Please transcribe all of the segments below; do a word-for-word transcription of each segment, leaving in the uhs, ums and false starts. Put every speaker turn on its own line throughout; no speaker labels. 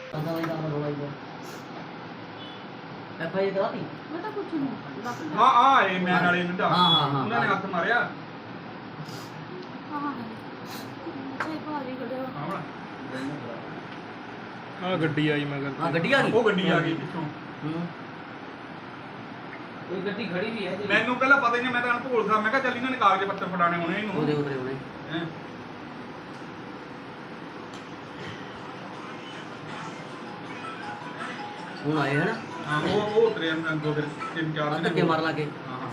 ਪਤਾ ਨਹੀਂ ਕੰਮ ਹੋਇਆ ਜੀ ਐਫ ਆਈ ਆਰ ਕਰਾਤੀ
ਮੈਂ ਤਾਂ ਕੁਛ ਨਹੀਂ
ਹਾਂ ਆ ਇਹ ਮੈਂ ਨਾਲੇ ਨੰਦਾ
ਹਾਂ ਹਾਂ ਹਾਂ
ਉਹਨਾਂ ਨੇ ਹੱਥ ਮਾਰਿਆ
ਹਾਂ ਹਾਂ ਸੇ ਭਾਰੀ ਗੜਿਆ
ਹਾਂ
ਆ ਗੱਡੀ ਆਈ ਮਗਰ
ਹਾਂ ਗੱਡੀ ਆ ਗਈ
ਉਹ ਗੱਡੀ ਆ ਗਈ ਪਿੱਛੋਂ
ਹੂੰ
ਇਹ ਗੱਡੀ ਖੜੀ ਵੀ ਹੈ ਜੀ
ਮੈਨੂੰ ਪਹਿਲਾਂ ਪਤਾ ਹੀ ਨਹੀਂ ਮੈਂ ਤਾਂ ਭੋਲਦਾ ਮੈਂ ਕਿਹਾ ਚੱਲ ਇਹਨਾਂ ਨੇ ਕਾਗਜ਼ ਪੱਤਰ ਫੜਾਣੇ ਹੋਣੇ ਇਹਨੂੰ
ਉਹਦੇ ਉਤਰੇ ਉਹਨੇ
ਹੈਂ।
ਹੁਣ ਆਏ ਹਨ
ਹਾਂ ਉਹ ਉਹ ਉਤਰੇ ਅੰਦਰ ਫਿਰ ਤਿੰਨ ਚਾਰ ਦਿਨ
ਧੱਕੇ ਮਾਰ ਲਾ ਕੇ
ਹਾਂ ਹਾਂ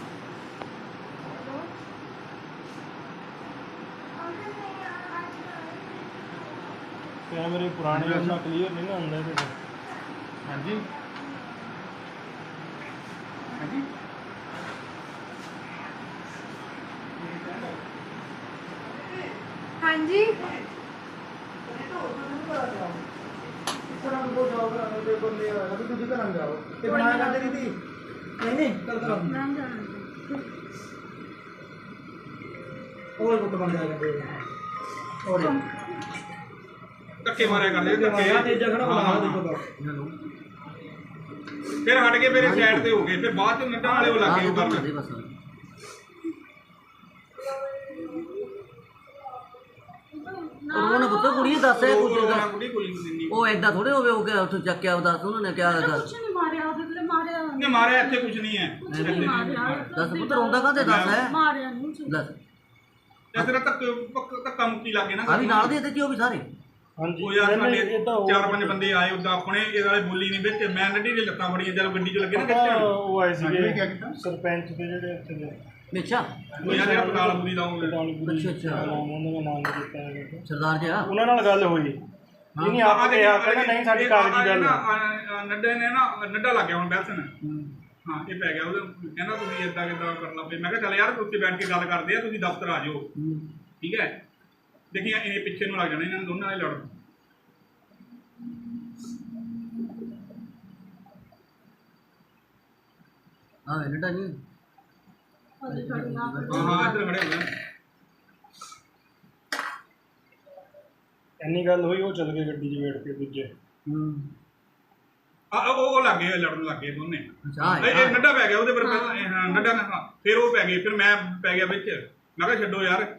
ਕੈਮਰੇ ਪੁਰਾਣੇ ਉਹਨਾਂ ਕਲੀਅਰ ਨਹੀਂ ਨਾ ਹੁੰਦਾ ਇਹਦੇ
ਹਾਂਜੀ ਹਾਂਜੀ
ਹਾਂਜੀ ਨਾਮ ਜਾਣਦੇ
ਧੱਕੇ ਮਾਰਿਆ ਕਰਦੇ ਧੱਕੇ ਫਿਰ ਹਟ ਕੇ ਮੇਰੇ ਸਾਈਡ ਤੇ ਹੋ ਗਏ ਫਿਰ ਬਾਅਦ ਚ ਨੱਟਾਂ ਵਾਲੇ ਉਹ ਲੱਗੇ ਉਹ ਕਰਨ
ਬਸ ਉਹਨਾਂ ਪੁੱਤ ਕੁੜੀ ਦੱਸ ਇਹ ਕੁਝ
ਉਹ ਕੁੜੀ ਕੋਈ ਨਹੀਂ
ਉਹ ਐਦਾਂ ਥੋੜੇ ਹੋਵੇ ਉਹ ਕਿ ਉੱਥੋਂ ਚੱਕਿਆ ਉਹ ਦੱਸ ਉਹਨਾਂ ਨੇ ਕਿਹਾ ਦੱਸ
ਕੁਛ ਨਹੀਂ ਮਾਰਿਆ ਉਹਦੇ ਤੇ ਮਾਰਿਆ
ਨੇ ਮਾਰਿਆ ਇੱਥੇ ਕੁਝ ਨਹੀਂ ਹੈ
ਨਹੀਂ ਮਾਰਿਆ
ਦੱਸ ਪੁੱਤ ਰੋਂਦਾ ਕਾਹਤੇ ਦੱਸ ਹੈ
ਮਾਰਿਆ ਨਹੀਂ ਸੀ
ਦੱਸ
ਤੇ ਤੇਰਾ ਧੱਕੇ ਧੱਕਾ ਮੁੱਕੀ ਲੱਗੇ ਨਾ
ਆ ਵੀ ਨਾਲ ਦੇ ਤੇ ਕੀ ਉਹ ਵੀ ਸਾਰੇ
ਹਾਂਜੀ
ਉਹ ਯਾਰ ਸਾਡੇ
ਇਹ ਤਾਂ ਉਹ-
ਚਾਰ ਪੰਜ ਬੰਦੇ ਆਏ ਉਦਾਂ ਆਪਣੇ ਇਹ ਵਾਲੇ ਬੋਲੀ ਨਹੀਂ ਵਿੱਚ ਮੈਂ ਨੱਡੀ ਦੇ ਲੱਤਾਂ ਫੜੀਆਂ ਜਦੋਂ ਗੱਡੀ 'ਚ ਲੱਗੇ ਨਾ
ਪਤਾ
ਖਿੱਚਣ
ਉਹ ਆਏ
ਹਾਂਜੀ, ਕਿਆ
ਸੀਗੇ
ਕੀਤਾ?
ਸਰਪੰਚ ਦੇ ਜਿਹੜੇ ਇੱਥੇ ਦੇ
ਅੱਛਾ
ਉਹ ਯਾਰ ਇਹ ਪਤਾਲ ਬੁਰੀ ਲਾਉਂਗੇ
ਪਟਾਲੀਪੁਰੀ
ਅੱਛਾ, ਅੱਛਾ।
ਨਾਮ ਉਹਨਾਂ ਦਾ ਨਾਮ ਨਹੀਂ ਦਿੱਤਾ ਹੈਗਾ
ਸਰਦਾਰ ਜੀ ਆ
ਉਹਨਾਂ ਨਾਲ ਗੱਲ ਹੋਈ ਇਹਨੇ ਆਪ ਕਿਹਾ ਕਹਿੰਦਾ ਨਹੀਂ ਸਾਡੀ ਕਾਗਜ਼ੀ ਗੱਲ ਹੈ।
ਨੱਡੇ ਨੇ ਨਾ ਨੱਡਾ ਲੱਗ ਗਿਆ ਹੁਣ ਬੈਸਨ ਹਾਂ ਇਹ ਪੈ ਗਿਆ ਉਹਦਾ ਕਹਿੰਦਾ ਤੁਸੀਂ ਏਦਾਂ ਕਿੱਦਾਂ ਕਰਨਾ ਪਏ ਮੈਂ ਕਿਹਾ ਚੱਲ ਯਾਰ ਉੱਥੇ ਬੈਠ ਕੇ ਗੱਲ ਕਰਦੇ ਆ ਤੁਸੀਂ ਦਫ਼ਤਰ ਆ ਜਾਓ ਠੀਕ ਹੈ ਦੇਖੀ ਇਹ ਪਿੱਛੇ ਨੂੰ ਲੱਗ ਜਾਣਾ ਇਹਨਾਂ ਨੂੰ ਦੋਨਾਂ ਨੇ ਲੜ
ਹਾਂ ਨੱਡਾ ਨਹੀਂ
ਉਹਦੇ ਖੜੀਆਂ
ਹਾਂ ਹਾਂ ਇੱਧਰ ਖੜੇ ਹੋ ਗਏ
ਇੰਨੀ ਗੱਲ ਹੋਈ ਉਹ ਚੱਲ ਗਏ ਗੱਡੀ 'ਚ ਬੈਠ ਕੇ ਦੂਜੇ
ਹੂੰ
ਆ ਉਹ ਉਹ ਲੱਗ ਗਏ ਲੜਨ ਲੱਗ ਗਏ ਦੋਨੇ
ਅੱਛਾ
ਇਹ ਇਹ ਨੱਡਾ ਪੈ ਗਿਆ ਉਹਦੇ ਪਰ ਪਹਿਲਾਂ ਇਹ ਹਾਂ ਨੱਡਾ ਨਾ ਹਾਂ, ਫਿਰ ਉਹ ਪੈ ਗਏ ਫਿਰ ਮੈਂ ਪੈ ਗਿਆ ਵਿੱਚ ਮੈਂ ਕਿਹਾ ਛੱਡੋ ਯਾਰ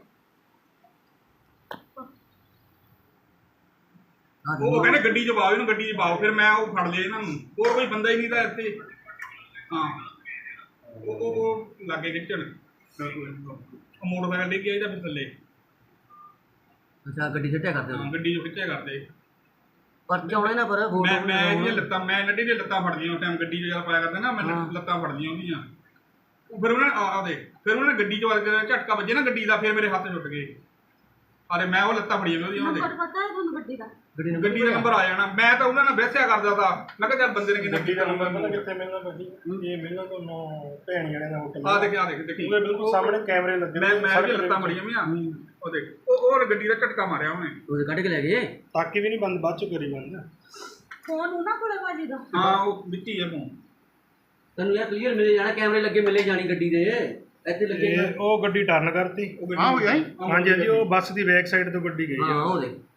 ਉਹ ਉਹ ਕਹਿੰਦੇ ਗੱਡੀ 'ਚ ਪਾਓ ਇਹਨੂੰ ਗੱਡੀ 'ਚ ਪਾਓ ਫਿਰ ਮੈਂ ਉਹ ਫੜ ਲਿਆ ਇਹਨਾਂ ਨੂੰ ਹੋਰ ਕੋਈ ਬੰਦਾ ਹੀ ਨਹੀਂ ਤਾਂ ਇੱਥੇ ਹਾਂ ਉਹ ਉਹ ਉਹ ਲਾਗੇ ਖਿੱਚਣ ਉਹ ਮੋਟਰਸਾਈਕਲ ਡਿੱਗ ਗਿਆ ਇਹਦਾ ਫਿਰ ਥੱਲੇ
ਅੱਛਾ ਗੱਡੀ ਛੱਟਿਆ ਕਰਦੇ
ਹਾਂ ਗੱਡੀ 'ਚ ਖਿੱਚਿਆ ਕਰਦੇ
ਪਰ ਚਾਉਣੇ ਨਾ ਪਰ ਫੋਟੋ
ਮੈਂ ਮੈਂ ਇਹਦੀਆਂ ਲੱਤਾਂ ਮੈਂ ਨੱਡੀ ਦੀਆਂ ਲੱਤਾਂ ਫੜਦੀਆਂ ਉਸ ਟਾਈਮ ਗੱਡੀ 'ਚ ਜਦ ਪਾਇਆ ਕਰਦੇ ਨਾ ਮੈਂ ਲੱਤਾਂ ਫੜਦੀਆਂ ਉਹਦੀਆਂ ਉਹ ਫਿਰ ਉਹਨਾਂ ਨੇ ਆ ਦੇ ਫਿਰ ਉਹਨਾਂ ਨੇ ਗੱਡੀ 'ਚ ਵੜ ਕੇ ਝਟਕਾ ਵੱਜੇ ਨਾ ਗੱਡੀ ਦਾ ਫਿਰ ਮੇਰੇ ਹੱਥ ਛੁੱਟ ਗਏ ਅਰੇ ਮੈਂ ਉਹ ਲੱਤਾਂ ਫੜੀਆਂ ਉਹਦੀਆਂ ਉਹਦੇ
ਨੰਬਰ ਪਤਾ ਹੈ ਤੁਹਾਨੂੰ ਗੱਡੀ ਦਾ
ਗੱਡੀ ਨੂੰ
ਗੱਡੀ ਦਾ ਨੰਬਰ ਆ ਜਾਣਾ ਮੈਂ ਤਾਂ ਉਹਨਾਂ ਨਾਲ ਬਹਿਸਿਆ ਕਰਦਾ ਤਾ ਮੈਂ ਕਿਹਾ ਚੱਲ ਬੰਦੇ ਨੇ ਕਿੰਨਾ
ਗੱਡੀ ਦਾ ਨੰਬਰ ਪਤਾ ਕਿੱਥੇ ਮਿਲਣਾ ਭਾਜੀ ਇਹ ਮਿਲਣਾ ਤੁਹਾਨੂੰ ਭੈਣੀ ਵਾਲੇ ਦਾ ਹੋਟਲ
ਆ ਦੇਖ ਆ ਦੇਖ ਦੇਖੀ
ਉਹਦੇ ਬਿਲਕੁਲ ਸਾਹਮਣੇ ਕੈਮਰੇ ਲੱਗੇ
ਮੈਂ ਮੈਂ ਵੀ ਲੱਤਾਂ ਫੜੀਆਂ ਵੀਆਂ ਉਹ ਦੇਖ ਉਹ ਉਹ ਗੱਡੀ ਦਾ ਝਟਕਾ ਮਾਰਿਆ ਉਹਨੇ
ਉਹਦੇ ਕੱਢ ਕੇ ਲੈ ਗਏ
ਤਾਕੀ ਵੀ ਨਹੀਂ ਬੰਦ ਬਾਅਦ ਚ ਕਰੀ ਬੰਦ
ਫੋਨ ਉਹਨਾਂ ਕੋਲੇ ਭਾਜੀ ਦਾ
ਹਾਂ ਉਹ ਵਿੱਚ ਹੀ ਹੈ ਮੂੰਹ
ਤੈਨੂੰ ਯਾਰ ਕਲੀਅਰ ਮਿਲੇ ਜਾਣਾ ਕੈਮਰੇ ਲੱਗੇ ਮਿਲੇ ਜਾਣੀ ਗੱਡੀ ਦੇ ਇੱਥੇ ਲੱਗੇ
ਤੇ ਉਹ ਗੱਡੀ ਟਰਨ ਕਰਤੀ
ਹਾਂ ਹੋ ਗਿਆ
ਹਾਂਜੀ ਹਾਂਜੀ ਉਹ ਬੱਸ ਦੀ ਬੈਕ ਸਾਈਡ ਤੋਂ ਗੱਡੀ ਗਈ
ਹਾਂ
ਆ
ਉਹ ਦੇ